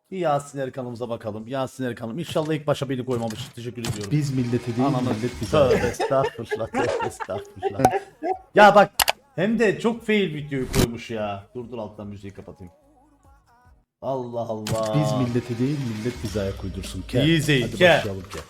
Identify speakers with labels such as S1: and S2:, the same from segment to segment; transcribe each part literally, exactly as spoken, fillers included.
S1: Bir Yasin Erkan'ımıza bakalım. Yasin Erkan'ım. İnşallah ilk başa beni koymamış. Teşekkür ediyorum.
S2: Biz milleti değil
S1: Ananı
S2: millet bize.
S1: tövbe estağfurullah. Tövbe estağfurullah. Ya bak hem de çok fail videoyu koymuş ya. Dur dur alttan müziği kapatayım. Allah Allah.
S2: Biz milleti değil millet bize ayak uydursun. Ke.
S1: Easy,
S2: Hadi
S1: ke.
S2: başlayalım ke.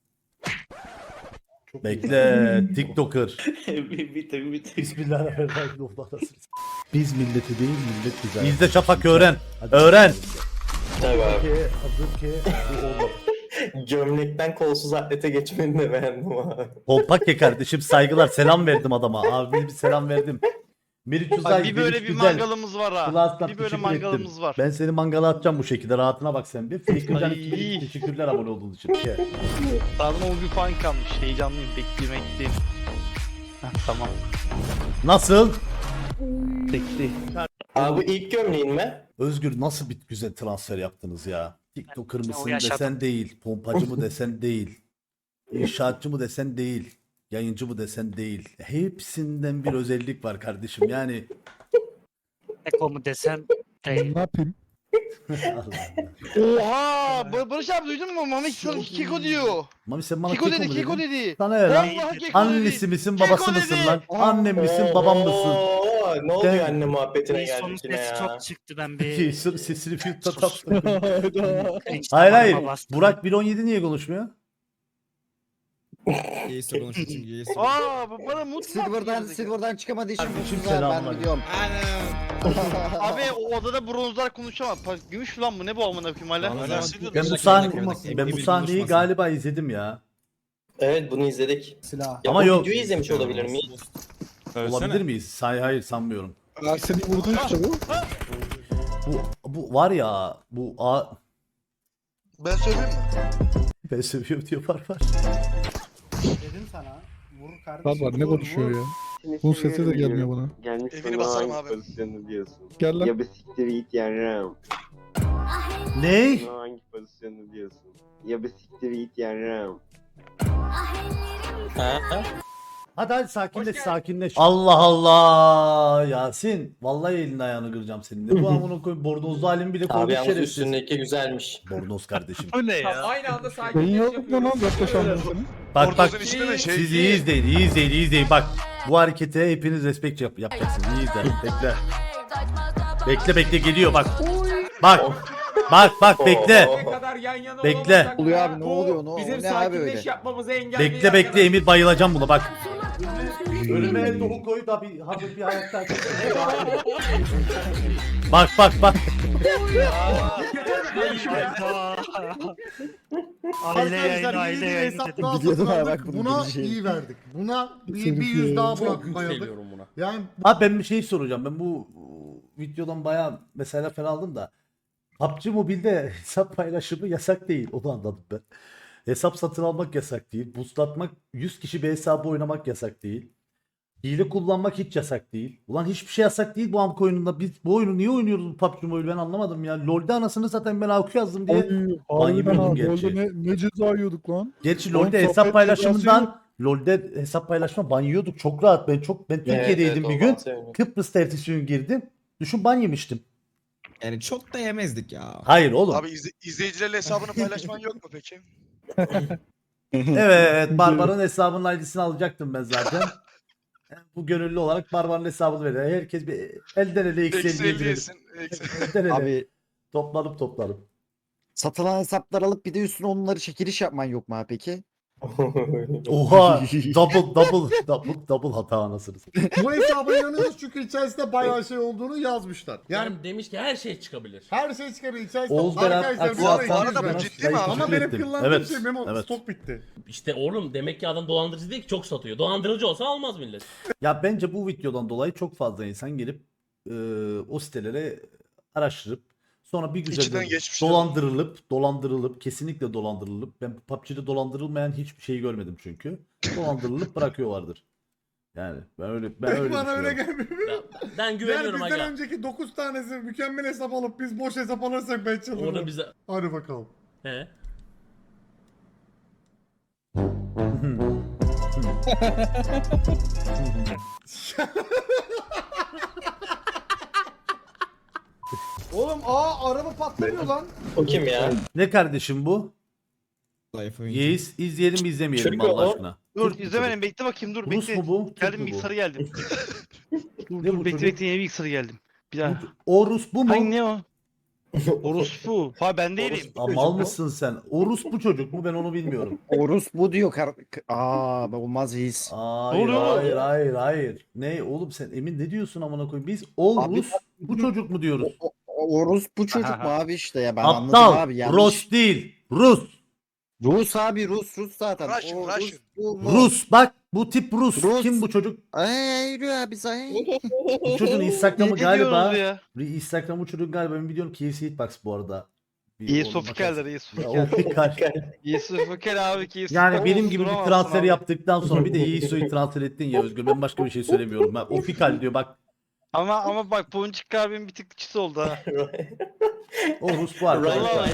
S1: Bekle TikToker.
S3: bitir bitir.
S1: Bismillahirrahmanirrahim.
S2: Biz milleti değil millet bize ayak
S1: İzle Şafak öğren. Öğren.
S3: Tabii abi.
S2: Ke, hazır ke. Bu olmadı.
S3: Gömlekten kolsuz atlete geçmeni de beğendim abi.
S1: Pompake kardeşim saygılar. Selam verdim adama. Abi bir selam verdim. Meriç Uzay.
S4: Abi bir böyle
S1: Meriç
S4: bir
S1: güzel.
S4: mangalımız var ha.
S1: Klaslar,
S4: Bir böyle
S1: teşekkür
S4: mangalımız
S1: ettim.
S4: var.
S1: Ben seni mangala atacağım bu şekilde. Rahatına bak sen bir. Faker'can
S4: Ay.
S1: iki teşekkürler abone olduğun için. Ke.
S4: Sağdan o bir puan kalmış. Heyecanlıyım. Beklemekteyim. Heh, tamam.
S1: Nasıl?
S4: Bekle.
S3: Abi bu ilk gömleğin mi?
S1: Özgür nasıl bir güzel transfer yaptınız ya? TikToker
S4: O
S1: mısın
S4: yaşadım.
S1: desen değil. Pompacı mı desen değil. İnşaatçı mı desen değil. Yayıncı mı desen değil. Hepsinden bir özellik var kardeşim. Yani
S5: Eko mu desen değil.
S2: Ne yapayım?
S1: Allah Allah.
S4: Oha! Ba- Barış abi duydun mu? Mami sana Keko diyor.
S1: Mami sen bana
S4: Keko
S1: keko
S4: dedi,
S1: mu
S4: Keko
S1: dedin?
S4: dedi.
S1: Sana ne lan?
S4: Vallahi Keko
S1: Annesi
S4: dedi.
S1: misin
S4: Keko
S1: babası mısın
S4: dedi.
S1: lan? Annem misin babam mısın?
S3: Oo, ne oluyor
S1: Ben-
S3: anne muhabbetine
S5: Bir sonu
S3: geldik yine
S5: sesi
S3: ya.
S5: çok çıktı ben bir
S1: Jason sesini filtre taktım.
S5: cringe
S1: Hayır hayır.
S5: damarıma bastım.
S1: Burak bir on yedi niye konuşmuyor?
S6: Yeğse konuşuyor çünkü Yeğse.
S4: Aa bu bana mutlu.
S7: Silver'dan Silver'dan çıkamadığı için
S1: Kardeşim,
S7: mutsuz abi ben
S1: selamlar.
S7: biliyorum.
S4: Abi o odada bronzlar konuşamam. Pa- Gümüş falan mı? Ne bu amına koyayım hala?
S1: Ben bu sahne ben bu sahneyi galiba izledim ya.
S3: Evet bunu izledik.
S7: Silah.
S3: Ya
S1: Ama
S3: bu
S1: yok.
S3: videoyu izlemiş olabilir miyiz?
S1: Olabilir miyiz? Hayır hayır sanmıyorum.
S2: Seni vurdun işte bu.
S1: Bu bu var ya bu a
S4: Ben söyleyeyim mi?
S1: ben seviyorum diyor var var.
S7: Dedim sana. Vur kardeşim.
S2: Var var ne konuşuyor ya? Bunun sesi de gelmiyor bana.
S8: Gelmiş
S4: Evini
S8: bana
S4: basarım
S8: hangi
S4: abi.
S8: pozisyonu diyorsun?
S2: Gel lan.
S8: Ya bir siktir git yarram.
S1: Ne?
S8: Bana hangi pozisyonu diyorsun? Ya bir siktir git yarram.
S3: Ha?
S1: Hadi hadi sakinleş sakinleş. Allah Allah Yasin. Vallahi elini ayağını kıracağım senin. Ne bu amına koyayım bornozlu halin bile
S3: Abi
S1: koymuş
S3: yalnız
S1: şerefsiz.
S3: üstündeki güzelmiş.
S1: Bornoz kardeşim.
S4: Bu ne ya?
S9: Aynı anda
S2: Ben
S9: sakinleş
S2: yok mu lan yaklaşan seni?
S1: Bak bak
S4: Bornozun içinde şey
S1: siz iyi izleyin iyi izleyin iyi izleyin. Bak bu harekete hepiniz respect yap yapacaksınız. İyi izle bekle. Bekle bekle geliyor bak. Bak. Bak bak bekle.
S9: Ne kadar yan yana
S1: Bekle.
S9: olamasak
S7: Oluyor
S9: da
S7: abi, ne
S9: bu
S7: oluyor, ne-
S9: Bizim
S7: ne abi
S9: sakinleş
S7: öyle?
S9: yapmamızı engelliyor.
S1: Bekle bekle
S9: arkadaşlar.
S1: Emir bayılacağım buna bak. Önüme tohum koy da bir hafif bir hayatta. Bak bak bak.
S5: Aile yayını aile yayını dedim.
S7: Biliyordum abi bak bunu
S10: Buna
S7: bileceğim.
S10: iyi verdik. Buna bir,
S2: Seni
S10: bir yüz
S2: ya.
S10: daha
S2: Çok
S10: bırakmayalım. Yani
S1: Abi ben bir şey soracağım. Ben bu videodan bayağı mesela falan aldım da. P U B G Mobile'de hesap paylaşımı yasak değil. Onu anladım ben. Hesap satın almak yasak değil. Boostlatmak, yüz kişi bir hesabı oynamak yasak değil. Hile kullanmak hiç yasak değil. Ulan hiçbir şey yasak değil bu amk oyununda. Biz bu oyunu niye oynuyoruz bu P U B G Mobile ben anlamadım ya. LoL'de anasını zaten ben A Q yazdım diye.
S2: Ay, harbiden
S1: yemiyordum
S2: ha.
S1: gerçi.
S2: Orada ne, ne ceza yiyorduk lan?
S1: Gerçi
S2: Oğlum,
S1: LoL'de hesap
S2: sohbet
S1: paylaşımından LoL'de hesap paylaşma ban yiyorduk. Çok rahat. Ben çok ben Türkiye'deydim
S3: evet,
S1: bir
S3: o
S1: gün.
S3: ban sevmiyorum.
S1: Kıbrıs'ta ertesi gün girdim. Düşün ban yemiştim.
S6: Yani çok da yemezdik ya.
S1: Hayır oğlum.
S4: Abi izle- izleyicilerle hesabını paylaşman yok mu peki?
S1: Evet, Barbar'ın hesabının I D'sini alacaktım ben zaten. Bu gönüllü olarak Barbar'ın hesabını veriyor. Herkes bir elden ele
S4: Eksi
S1: eksi elli
S4: elli
S1: girelim.
S4: yesin. Eksi-
S1: Elden ele.
S7: Abi
S1: Toplanıp toplanıp.
S7: satılan hesaplar alıp bir de üstüne onları çekiliş yapman yok mu abi peki?
S1: Oha double double double double hata anasını satayım.
S10: bu hesaba inanıyoruz çünkü içerisinde bayağı şey olduğunu yazmışlar. Yani
S9: Yani demiş ki her şey çıkabilir.
S10: her şey çıkabilir. İçerisinde
S1: Oğuz Berat
S10: arkadaşlar
S1: Aksu
S10: bana
S1: Aslan.
S10: iki yüz
S4: arada bu
S10: ver.
S4: ciddi mi abi?
S10: Ama benim kullandığım
S1: Evet,
S10: şey Memo
S1: evet.
S10: stok bitti.
S9: İşte oğlum demek ki adam dolandırıcı değil ki çok satıyor. Dolandırıcı olsa almaz millet.
S1: Ya bence bu videodan dolayı çok fazla insan gelip e, o sitelere araştırıp sonra bir güzel
S4: İçinden geçmişler.
S1: dolandırılıp dolandırılıp kesinlikle dolandırılıp ben P U B G'de dolandırılmayan hiçbir şeyi görmedim çünkü. Dolandırılıp bırakıyorlardır. Yani ben öyle ben öyle
S10: Bana öyle
S1: düşünüyorum.
S10: gelmiyor.
S9: Ben, ben
S10: Yani
S9: güveniyorum
S10: bizden
S9: aga.
S10: önceki dokuz tanesi mükemmel hesap alıp biz boş hesap alırsak ben çıldırırım.
S9: Orada bize...
S10: Hadi bakalım.
S9: He.
S10: Oğlum aa araba patlamıyor lan.
S3: O kim ya?
S1: Ne kardeşim bu?
S6: Zayıf oyuncu.
S1: Yeis izleyelim mi izlemeyelim mi
S3: Çünkü
S1: Allah
S3: o-
S1: aşkına?
S4: Dur
S1: Türk bu
S4: izlemedim bekle bakayım dur
S1: çocuk. Rus
S4: bekle.
S1: mu bu? Türk
S4: Geldim
S1: mü bu?
S4: bilgisayara geldim. dur
S1: Ne bu
S4: dur bekle
S1: çocuk?
S4: bekle yeni bilgisayara geldim. Bir daha.
S1: O Rus bu mu?
S4: Hangi ne o? Orospu. Ha ben değilim.
S1: Aa, mal mısın sen? O Rus bu çocuk mu? Ben onu bilmiyorum.
S7: Orus bu diyor. Kar Aa olmaz his.
S1: Hayır,
S4: oluyor?
S1: hayır, hayır, hayır. Ne oğlum sen Emin ne diyorsun amına koyayım? Biz o
S7: Abi-
S1: Rus bu çocuk mu diyoruz?
S7: O- o- Orus bu çocuk mu abi işte ya ben anladım
S1: Aptal.
S7: abi yanlış.
S1: Rus değil. Rus.
S7: Rus abi Rus Rus zaten.
S4: Russian,
S7: O
S4: Russian.
S7: bu mu?
S1: Rus bak bu tip Rus.
S7: Rus.
S1: Kim bu çocuk?
S7: Ay yürü abi say.
S1: Bu çocuğun Instagram'ı
S4: Ne
S1: galiba.
S4: diyorsunuz ya?
S1: Instagram'ı bu çocuğun galiba ben biliyorum K F C Hitbox bu arada. Bir
S4: İyi
S1: ona
S4: sofikeldir
S1: bakarsın.
S4: iyi
S1: Ya,
S4: sofikel.
S1: o fikal.
S4: İyi sofikel abi ki.
S1: Yani benim gibi bir transfer yaptıktan sonra bir de Yiğiso'yu transfer ettin ya Özgür. Ben başka bir şey söylemiyorum. Ben, o fikal diyor bak.
S4: Ama ama bak Ponçik abim bir tık çısı oldu ha.
S1: O Rus bu arkadaşlar.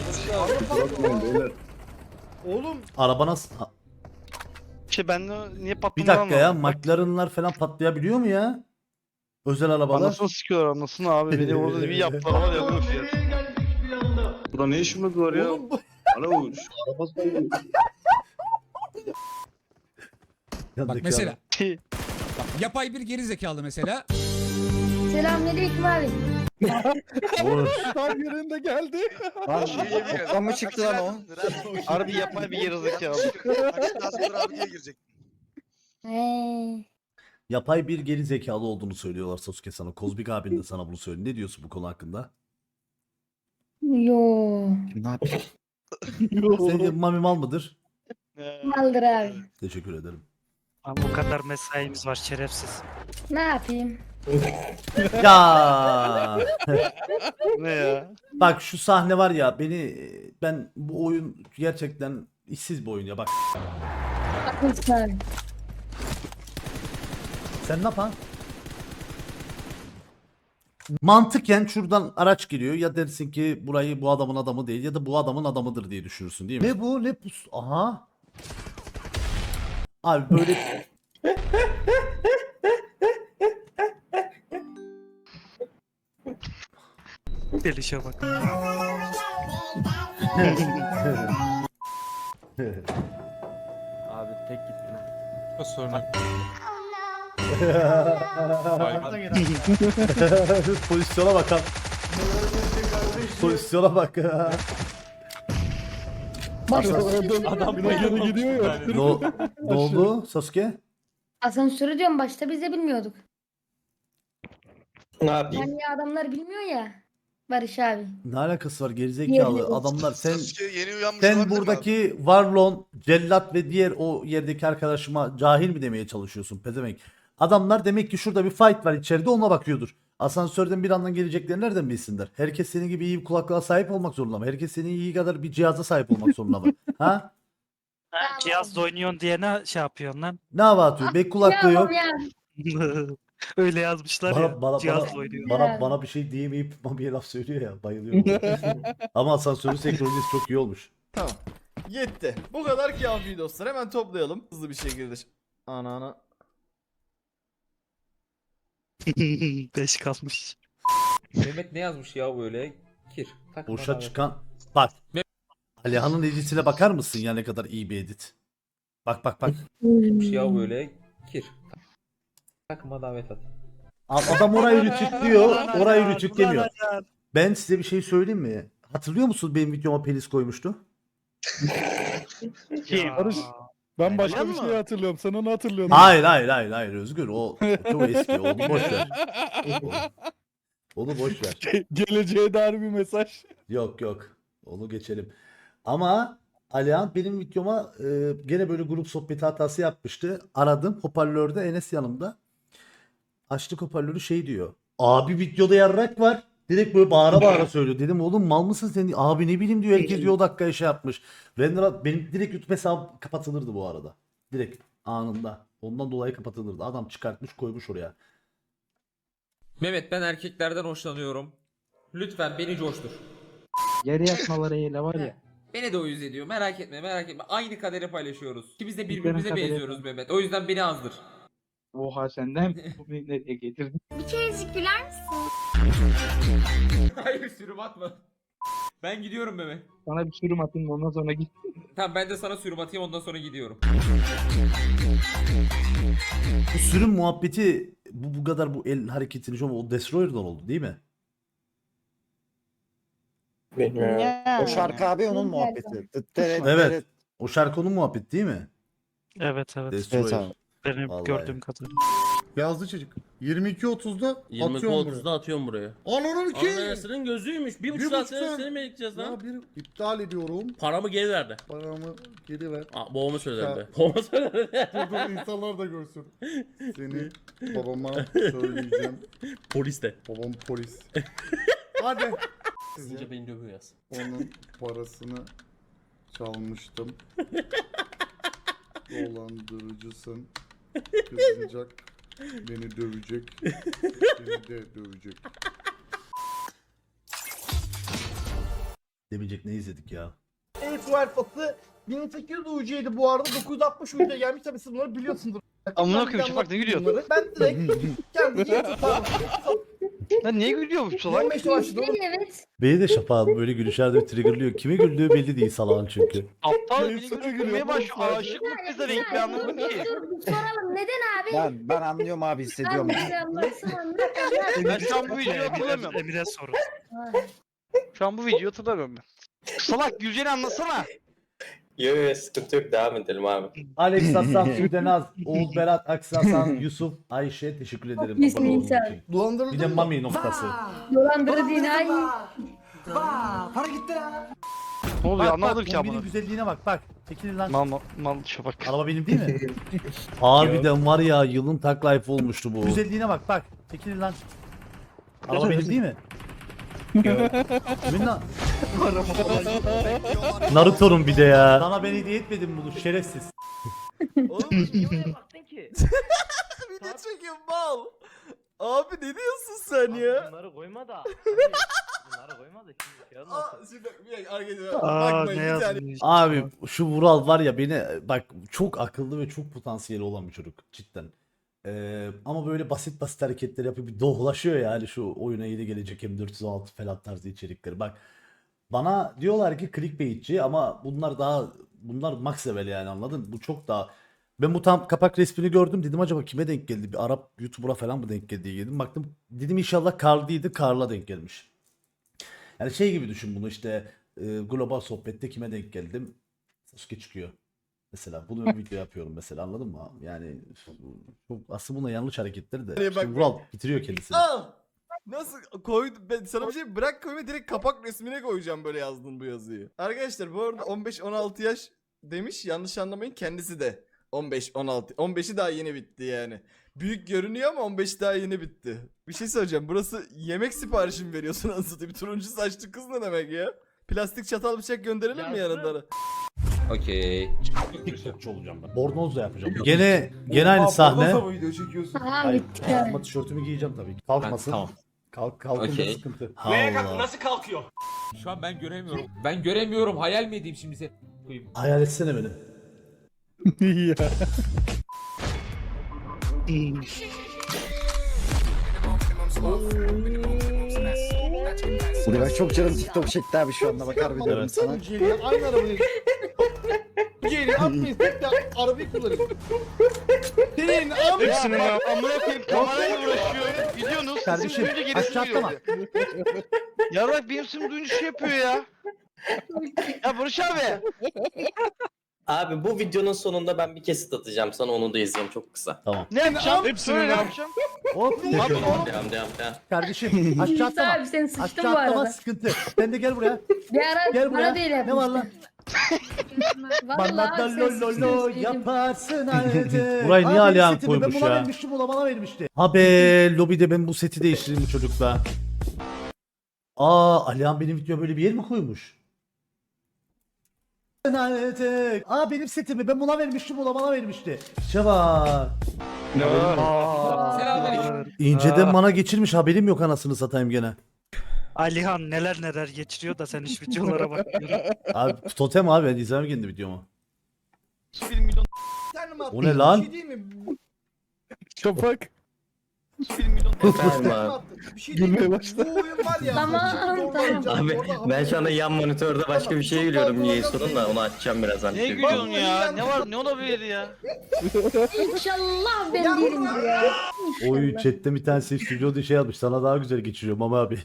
S10: Oğlum
S4: Araba
S1: nasıl? Ha,
S4: Şey ben de niye
S1: bir
S4: patlamıyor
S1: dakika ya. McLaren'lar falan patlayabiliyor mu ya? Özel arabalar.
S4: Anasını sikiyorlar anasını abi beni orada bir yaptılar var ya bu fiyat.
S8: Burada ne işimiz var ya?
S10: oğlum bu-
S8: Alo.
S1: Yanındaki
S11: Bak mesela
S4: Şey,
S11: yapay bir geri zekalı mesela.
S12: Selamünaleyküm abi.
S1: adam. Oğlum,
S2: Tam yerinde geldi.
S7: Lan toplam mı çıktı lan o?
S4: harbi yapay bir gerizekalı.
S12: He.
S1: yapay bir geri zekalı olduğunu söylüyorlar Sasuke sana. Kozmik abin de sana bunu söyledi. Ne diyorsun bu konu hakkında?
S12: Yo.
S7: Ne yapayım?
S1: Sence Mami mal mıdır?
S12: Maldır abi.
S1: Teşekkür ederim.
S5: Ama o kadar mesaimiz var şerefsiz.
S12: Ne yapayım?
S1: Ya
S4: Ne ya?
S1: bak şu sahne var ya beni ben bu oyun gerçekten işsiz bir oyun ya bak.
S12: Haklısın abi.
S1: Sen ne yapan? Mantıken şuradan araç giriyor ya dersin ki burayı bu adamın adamı değil ya da bu adamın adamıdır diye düşünürsün değil mi? Ne bu ne bu? Aha. Abi böyle
S5: Delişe bak.
S3: Abi tek gittin ha.
S1: pozisyona bakalım. Pozisyona bak.
S2: Adam geri gidiyor ya.
S1: ne, o- ne oldu Sasuke?
S12: Asansörü diyorum başta biz de bilmiyorduk.
S3: Ne yapayım?
S12: Yani adamlar bilmiyor ya. Barış abi.
S1: Ne alakası var gerizekalı
S12: Yeni-
S1: adamlar sen
S4: Yeni uyanmış
S1: sen buradaki Varlon, Cellat ve diğer o yerdeki arkadaşıma cahil mi demeye çalışıyorsun pezevenk? Adamlar demek ki şurada bir fight var içeride ona bakıyordur. Asansörden bir andan geleceklerini nereden bilsinler? Herkes senin gibi iyi bir kulaklığa sahip olmak zorunda mı? Herkes senin iyi kadar bir cihaza sahip olmak zorunda mı? Ha?
S5: Ha, cihazla oynuyorsun diye ne şey yapıyorsun lan?
S1: Ne hava atıyor? Bek kulaklığı yok.
S12: Ya,
S5: Öyle yazmışlar
S1: Bana,
S5: ya.
S1: bana,
S5: cihazla
S1: bana,
S5: oynuyor.
S1: bana, bana bir şey diyemeyip Mami'ye laf söylüyor ya. Bayılıyorum. Ama asansörün senkronizesi çok iyi olmuş.
S10: tamam. Yetti. Bu kadar kafi dostlar. Hemen toplayalım hızlı bir şekilde. Ana ana.
S5: Beş kalmış.
S3: Mehmet ne yazmış ya böyle? Kir.
S1: Burşa çıkan bak. Alihan'ın editine bakar mısın ya ne kadar iyi bir edit. Bak bak bak.
S3: ya böyle. Kir. Takıma davet at.
S1: A- Adam orayı rütüklüyor.
S5: Ulan
S1: Orayı
S5: Alihan,
S1: rütüklemiyor.
S5: ulan Alihan.
S1: Ben size bir şey söyleyeyim mi? Hatırlıyor musunuz benim videoma penis koymuştu?
S5: Kim?
S2: Barış, Ben başka
S4: Alihan
S2: bir
S4: mı?
S2: şey hatırlıyorum. Sen onu hatırlıyorsun.
S1: Hayır hayır hayır hayır Özgür o, o çok eski onu boş ver. Onu boş ver.
S2: Geleceğe dair bir mesaj.
S1: Yok yok onu geçelim. Ama Alihan benim videoma e, gene böyle grup sohbeti hatası yapmıştı. Aradım hoparlörde Enes yanımda. Açtık hoparlörü şey diyor. Abi videoda yarrak var. Direkt böyle bağıra bağıra söylüyor. Dedim oğlum mal mısın sen? Abi ne bileyim diyor. Herkes diyor o dakikaya şey yapmış. Render benim direkt YouTube hesabım kapatılırdı bu arada. Direkt anında. Ondan dolayı kapatılırdı. Adam çıkartmış koymuş oraya.
S3: Mehmet ben erkeklerden hoşlanıyorum. Lütfen beni coştur.
S11: Yere yatmalarıyla var ya.
S3: Beni de o yüz ediyor. Merak etme merak etme. Aynı kaderi paylaşıyoruz. İkimiz de birbirimize
S11: kaderi-
S3: benziyoruz Mehmet. O yüzden beni azdır.
S11: Oha senden bu beni nereye getirdin?
S12: Bir kerecik güler misin?
S3: Hayır sürüm atma. Ben gidiyorum Mehmet.
S11: Sana bir sürüm atayım ondan sonra git.
S3: Tamam ben de sana sürüm atayım ondan sonra gidiyorum.
S1: Bu sürüm muhabbeti bu, bu kadar bu el hareketini şu o Destroyer'dan oldu değil mi?
S7: O şarkı abi onun muhabbeti. Tıt teret
S1: Evet.
S7: teret.
S1: O şarkının muhabbeti değil mi?
S5: Evet evet.
S1: Destroyer.
S7: Evet abi.
S5: Benim
S1: Vallahi.
S5: gördüğüm kadarıyla.
S6: Yazdı çocuk. yirmi iki otuzda
S9: yirmi
S6: atıyorum
S9: otuzda atıyorum buraya.
S6: buraya. Ananın ki.
S9: Anayasının gözüymüş. Bir buçuk
S6: Bir
S9: saat
S6: buçuk
S9: seni,
S6: saat.
S9: seni mi bekleyeceğiz lan?
S6: Ya bir iptal ediyorum.
S9: Paramı geri verdi.
S6: Paramı geri ver.
S9: Aa, babama söyledim
S6: Ya.
S9: de. Babama söyledim.
S6: Dur dur insanlar da görsün. Seni babama söyleyeceğim.
S9: Polis de.
S6: Babam polis. Hadi.
S9: Sizce beni dövüyor yaz.
S6: Onun parasını çalmıştım. Dolandırıcısın. Kızacak. Beni dövecek. Beni de dövecek.
S1: Demeyecek ne izledik ya?
S10: Evet alfası bin sekiz yüz U C'ydi bu arada dokuz yüz altmış U C gelmiş tabi siz bunları biliyorsundur.
S4: Amına koyayım Şafak ne gülüyor?
S10: Bunları. Ben direkt kendi YouTube'dan
S4: Lan niye gülüyor bu salak?
S10: yirmi beşte başladı oğlum.
S12: Evet.
S1: Beni de şapağım böyle gülüşlerde bir triggerlıyor. Kime güldüğü belli değil salağın çünkü.
S4: Aptal
S6: Benim
S4: beni
S6: sana
S4: gülmeye
S6: gülüyor,
S4: başlıyor.
S6: boş ver.
S4: Aşık mı kıza renkli anlamadım ki.
S12: Dur bir soralım neden abi?
S7: Ben, ben anlıyorum abi hissediyorum.
S12: Abi anlatsın anlat anlat.
S4: Ben şu an bu videoyu hatırlamıyorum.
S5: Emir'e sorun.
S4: Şu an bu videoyu hatırlamıyorum ben. Salak Gülcen'i anlasana.
S8: Yok yok sıkıntı yok devam edelim abi.
S1: Alex Hasan, Sudenaz, Oğuz Berat, Aksi Hasan, Yusuf, Ayşe teşekkür ederim.
S12: iyisin
S1: abone olduğunuz
S12: insan.
S1: için. Bir de
S10: Dolandırıldın mı?
S1: Mami noktası.
S12: Dolandırı değil ay.
S4: Ne oluyor anlamadım ki
S1: kombinin
S4: amına.
S1: güzelliğine bak bak. Çekilin lan.
S4: Mal mal mal Şafak.
S1: Araba benim değil mi? Harbiden var ya yılın tak life olmuştu bu. Güzelliğine bak bak. Çekilin lan. Araba benim değil mi? Kimin lan? Naruto'nun bir de ya. Sana ben hediye etmedim bunu şerefsiz.
S10: Oğlum niye oraya baktın ki? Video çekiyor mal. Abi ne diyorsun sen ya?
S11: Bunları koyma da. Bunları koyma da şimdi şey
S10: Aa, şimdi bir dakika arkadaşlar
S5: Aa
S10: bakmayın
S5: ne
S10: bir saniye.
S5: yazmış.
S1: Abi şu Vural var ya beni bak çok akıllı ve çok potansiyeli olan bir çocuk cidden. Ee, ama böyle basit basit hareketler yapıyor bir dohlaşıyor yani şu oyuna yeni gelecek M dört yüz on altı falan tarzı içerikleri. Bak bana diyorlar ki clickbaitçi ama bunlar daha bunlar max level yani anladın? Bu çok daha ben bu tam kapak resmini gördüm dedim acaba kime denk geldi? Bir Arap YouTuber'a falan mı denk geldi diye dedim. Baktım dedim inşallah Karl'dıydı. Karl'a denk gelmiş. Yani şey gibi düşün bunu işte e, global sohbette kime denk geldim? Sasuke çıkıyor. Mesela bunu bir video yapıyorum mesela anladın mı? Yani çok aslında buna yanlış hareketleri de.
S10: Hani
S1: İşte
S10: bak-
S1: Vural bitiriyor kendisini.
S10: Al. Nasıl koy ben sana bir şey bırak koyma direkt kapak resmine koyacağım böyle yazdın bu yazıyı. Arkadaşlar bu arada on beş on altı yaş demiş yanlış anlamayın kendisi de on beş on altı on beşi daha yeni bitti yani. Büyük görünüyor ama on beş daha yeni bitti. Bir şey söyleyeceğim burası yemek siparişi mi veriyorsun anasını bir turuncu saçlı kız ne demek ya? Plastik çatal bıçak gönderelim mi yanında?
S3: Okey.
S9: Fırsatçı olacağım ben.
S1: Bornoz da yapacağım. Gene gene aynı sahne.
S10: video çekiyorsun?
S12: Aha
S1: Hayır,
S12: bitti.
S1: kalkma tişörtümü giyeceğim tabii ki. Kalkmasın.
S3: Tamam.
S1: Kalk kalkınca
S3: Okey.
S1: sıkıntı. Allah.
S9: Nasıl kalkıyor?
S3: Şu an ben göremiyorum. Ben göremiyorum. Hayal mi edeyim şimdi seni? Koyayım.
S1: Hayal etsene beni.
S2: ya.
S7: Buraya bak çok canım TikTok çekti abi şu anda bakar bir diyorum
S1: Evet.
S7: sana.
S10: Ucuyla aynı arabayı. Ucuyla atmayın tek de arabayı kullanın. Senin am
S4: Hepsinin ya. Amına koyayım kamerayla uğraşıyor. Gidiyorsunuz.
S1: Kardeşim,
S4: Sesim duyunca gerisini
S1: aşağı atlama.
S4: görüyor. Yarrak benim sesim duyunca şey yapıyor ya. Ya Barış abi.
S8: Abi bu videonun sonunda ben bir kesit atacağım sana onu da izleyin çok kısa.
S1: Tamam.
S4: Ne yapacağım?
S2: Hepsinin
S4: Söyle ne
S2: ya.
S4: yapacağım?
S1: Hop.
S4: Abi oğlum.
S8: Devam devam devam.
S1: Kardeşim aşağı
S12: İsa
S1: atlama.
S12: abi sen sıçtın
S1: Aşağı
S12: bu
S1: atlama
S12: arada.
S1: sıkıntı. Sen de gel buraya.
S12: Bir ara
S1: Gel buraya.
S12: bana değil
S1: Ne var lan?
S12: yapmıştın.
S1: Bana
S12: Vallahi
S1: da
S12: abi sen
S1: lo lo
S12: sıçtın
S1: lo
S12: söyleyeyim.
S1: yaparsın halde. Burayı niye Alihan koymuş ya? Ben buna vermiştim, buna bana vermişti. Ha be, lobide ben bu seti değiştireyim bu çocukla. Aa, Alihan benim videoya böyle bir yer mi koymuş? Aa benim setimi ben buna vermiştim, buna bana vermişti. Şevak.
S3: Selamünaleyküm.
S1: İnceden bana geçirmiş, haberim yok anasını satayım gene.
S5: Alihan neler neler geçiriyor da sen hiç videolara bakmıyorsun.
S1: Abi totem abi, ben izlemem kendi videomu.
S10: bir milyon.
S1: O ne lan?
S10: Bir şey değil mi?
S2: Şafak.
S8: Efendim abi.
S10: Bir şey
S2: Gülmeye
S10: diyeyim mi?
S2: başla.
S10: Bu oyun var ya.
S12: Tamam,
S10: zorla
S12: tamam.
S10: oynayacağım.
S8: Abi
S10: Orada
S8: ben şu anda yan monitörde başka bir şeye gülüyorum niye sorun da onu açacağım birazdan.
S4: Ne gülüyorsun ya? Ne var? Ne olabilir ya?
S12: İnşallah ben değilimdir ya.
S1: Oy
S12: İnşallah.
S1: chatte bir tanesi stüdyoda şey yazmış. Sana daha güzel geçiriyorum ama abi.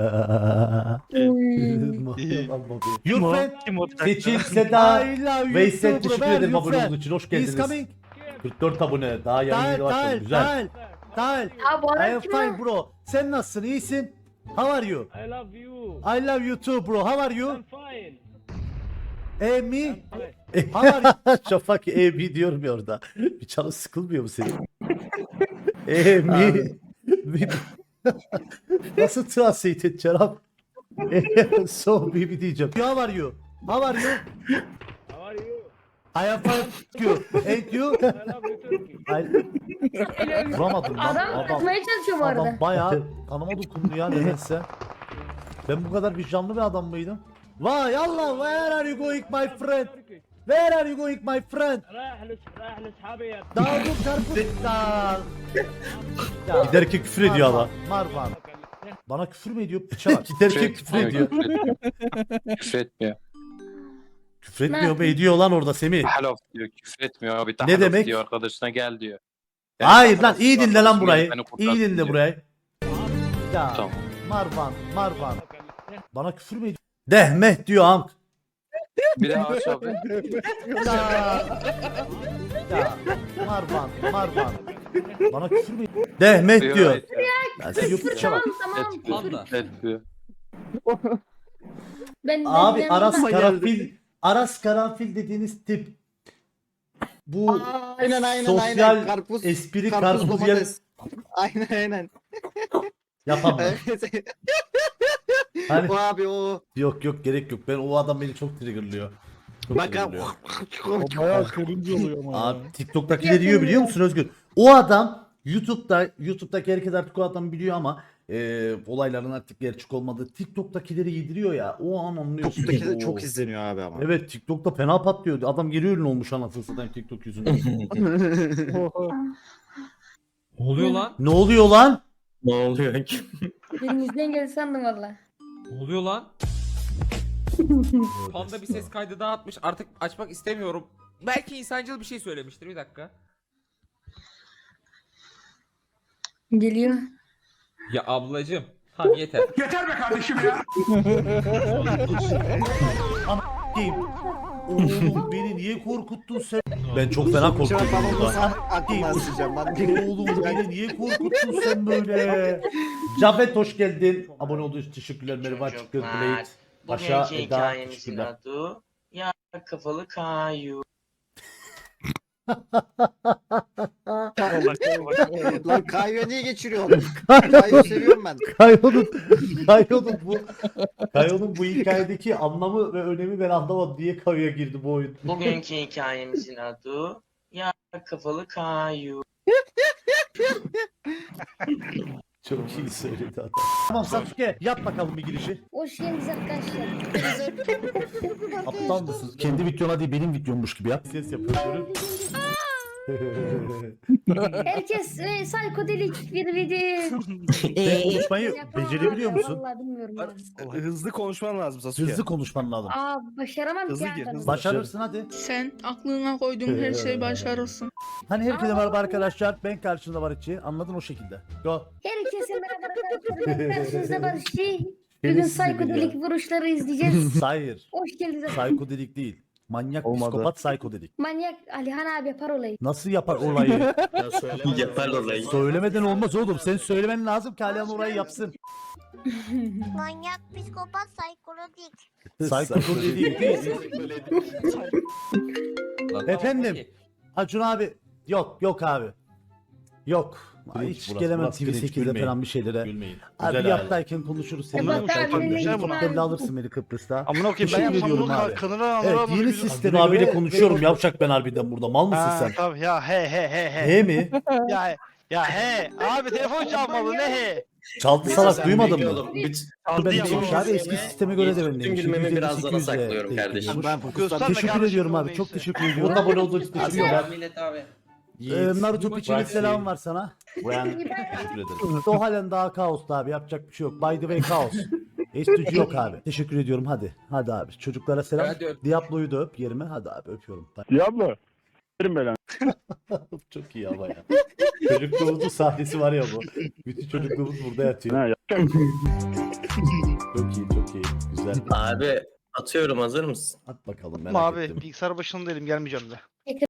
S1: Your friend
S5: Kim o?
S1: Seçil, Seda,
S2: I love you
S1: Veysel
S2: too,
S1: teşekkür
S2: bro.
S1: ederim
S2: You
S1: abone
S2: friend.
S1: olduğunuz için. Hoş
S2: He's
S1: geldiniz.
S2: coming.
S1: kırk dört abone. Daha yayın
S2: Tal
S1: yeni başladı.
S2: tal
S1: Güzel.
S2: tal. Tal.
S12: Ya bu
S2: I
S12: adam
S2: am
S12: kim
S2: fine
S12: ya?
S2: bro. Sen nasılsın? İyisin? How are you?
S11: I love you.
S2: I love you too bro. How are you?
S11: I'm fine.
S2: Eh me? How are you?
S1: Şafak E B diyorum ya orada. Bir canın sıkılmıyor mu senin? E mi? Mi- Nasıl translate edeceksin abi? E, so baby diyeceğim.
S2: How are you? How are you?
S11: How are you?
S2: I am fine. Thank you. And you?
S11: I love you Turkey.
S1: Ay, vuramadım lan.
S12: Adam
S1: Adam,
S12: atmaya çalışıyor bu arada.
S1: adam bayağı kanıma dokundu ya nedense. Ben bu kadar vicdanlı bir adam mıydım?
S2: Vay Allah. Where are you going my friend? Where are you going my friend?
S11: رايح لس رايح لاصحابي يا
S2: Davut Karpuz'dan. Ya,
S1: Giderken küfür ediyor adam.
S2: Marvan.
S1: Bana küfür mü ediyor? Piça bak. Giderken küfür ediyor.
S11: küfür etmiyor.
S1: Küfür etmiyor mu? Ediyor lan orada Semih.
S11: Halof diyor, küfür etmiyor abi.
S1: Ne demek?
S11: Diyor arkadaşına gel diyor.
S1: Hayır lan iyi dinle lan burayı. İyi dinle burayı.
S2: Ya
S11: Tamam.
S2: Marvan. Marvan.
S1: Bana küfür mü ediyor? Dehmeh diyor Hank.
S11: Bir daha aç abi.
S2: Ya. Ya. Marvan. Marvan.
S1: Bana küfür mü ediyor? Dehmeh diyor.
S11: Evet,
S1: Ben size yok piça bak.
S12: Tamam tamam.
S3: Panda.
S11: etmiyor.
S12: Ben, ben
S1: Abi
S12: ben-
S1: Aras
S2: ben-
S1: Karanfil Aras Karanfil dediğiniz tip bu
S7: Aynen aynen
S1: sosyal
S7: aynen. Karpuz.
S1: espri
S7: karpuz
S1: karpuz yer
S7: domates. Aynen aynen.
S1: yapamam.
S7: Evet.
S1: Hani
S7: O abi o.
S1: yok yok gerek yok. Ben o adam beni çok triggerlıyor. Çok
S7: Bak
S1: triggerlıyor.
S2: O bayağı cringe oluyor ama.
S1: Abi TikTok'takileri yiyor biliyor musun Özgür? O adam YouTube'da YouTube'daki herkes artık o adam biliyor ama e, olayların artık gerçek olmadığı TikTok'takileri yediriyor ya. O an anlıyorsun.
S7: TikTok'taki de
S1: Oo.
S7: çok izleniyor abi ama.
S1: Evet TikTok'ta fena patlıyor. Adam geri ünlü olmuş anasını satayım TikTok yüzünden.
S3: Ne oluyor lan?
S1: Ne oluyor lan?
S8: Ne oluyor ki?
S12: Elimizden geldi sandım valla.
S3: Ne oluyor lan? Panda bir ses kaydı daha atmış. Artık açmak istemiyorum. Belki insancıl bir şey söylemiştir. Bir dakika.
S12: Geliyor.
S3: Ya ablacım. Tamam yeter.
S1: Kim? Oğlum beni niye korkuttun sen? Ben çok fena korktum
S7: Şu an ben onu
S1: burada.
S7: sana aklımdan sileceğim ben.
S1: Oğlum beni niye korkuttun sen böyle? Cafet hoş geldin. Abone olduğunuz için teşekkürler. Merhaba Çıkır Blade. Paşa Eda teşekkürler.
S8: adı ya kafalı kayu.
S7: Lan Kayo niye geçiriyorsun? Kayo seviyorum ben.
S1: Kayo'nun Kayo'nun bu Kayo'nun bu hikayedeki anlamı ve önemi ben anlamadım. Niye Kayo'ya girdi bu oyun?
S8: Bugünkü hikayemizin adı ya kafalı kayu.
S1: Çok iyi söyledi adam. Tamam Sasuke yap bakalım bir girişi.
S12: Hoş geldiniz arkadaşlar.
S1: Aptal mısın? Kendi videona değil benim videommuş gibi yap. Ses yapıyorum.
S12: Herkes e, psikodelik bir video.
S1: Sen konuşmayı becerebiliyor musun?
S12: Vallahi bilmiyorum ya.
S2: Hızlı konuşman lazım Sasuke.
S1: Hızlı konuşman lazım.
S12: Aa başaramam
S2: Hızlı
S12: ki
S2: gir,
S12: adam.
S2: hızlı.
S1: Başarırsın hadi.
S13: Sen aklına koyduğun her şeyi başarırsın.
S1: Hani herkese merhaba arkadaşlar. Ben karşında Barışçı. Anladın o şekilde. Go.
S12: Herkese merhaba arkadaşlar. Ben karşınızda Barışçı. Bugün
S1: Beni sizi
S12: psikodelik
S1: biliyor.
S12: vuruşları izleyeceğiz.
S1: Hayır.
S12: Hoş geldiniz.
S1: Psikodelik değil. Manyak
S2: Olmadı.
S1: psikopat psikodelik.
S12: Manyak Alihan abi yapar olayı.
S1: Nasıl yapar olayı?
S8: Yapar olayı.
S1: Söylemeden olmaz oğlum. Sen söylemen lazım ki Alihan orayı yapsın.
S12: Manyak psikopat psikolodik.
S1: Psikodelik değil.
S3: Lan,
S1: Efendim?
S3: tamam, peki.
S1: Acun abi. Yok yok abi. Yok. Hiç gelemem T V sekizde falan bir şeylere.
S10: Gülmeyin.
S1: Abi yattayken konuşuruz seninle.
S12: Sebat abinin
S1: Helikopterle alırsın beni Kıbrıs'ta.
S4: Amına koyayım ben
S1: Teşekkür
S4: yapsam
S1: ediyorum
S4: bunu
S1: abi.
S4: kanını
S1: Evet
S4: alır
S1: yeni sisteme abiyle konuşuyorum yavşak ben harbiden burada. Mal mısın
S4: Ha,
S1: sen?
S4: tabii ya he he he he.
S1: He mi?
S4: Ya ya he. Abi telefon çalmalı ne he?
S1: Çaldı salak duymadın mı?
S5: Aldı
S1: Ben
S5: ya.
S1: demiş abi eski sisteme göre de ben
S8: Tüm
S1: demiş.
S8: gülmemi
S1: yüz elli,
S8: biraz
S1: sekiz
S8: daha
S1: yüzle
S8: saklıyorum
S1: denk
S8: kardeşim.
S1: geliyormuş.
S7: Ben fokuslandım.
S4: Gösterme
S1: Teşekkür
S4: kardeşim
S1: ediyorum
S4: o
S1: abi.
S4: neyse.
S1: Çok teşekkür ediyorum. Abone olduğunuz için teşekkürler.
S3: Millet abi.
S1: Ee, Naruto piçinin
S9: Bırak
S1: selam
S9: şeyi.
S1: var sana.
S9: Brian teşekkür ederim.
S1: O halen daha kaosta abi. Yapacak bir şey yok. By the way kaos. Estücü yok abi. Teşekkür ediyorum hadi. Hadi abi. Çocuklara selam.
S3: Hadi öp.
S1: Diablo'yu da öp yerime. Hadi abi öpüyorum.
S6: Diablo. Verin belanı.
S1: Çok iyi ama ya. Çocukluğumuzun sahnesi var ya bu. Bütün çocukluğumuz burada yatıyor.
S6: Ha,
S1: Çok iyi çok iyi. Güzel.
S8: Abi atıyorum hazır mısın?
S1: At bakalım merak
S4: Ama abi
S1: ettim.
S4: bilgisayar başında değilim gelmeyeceğim de.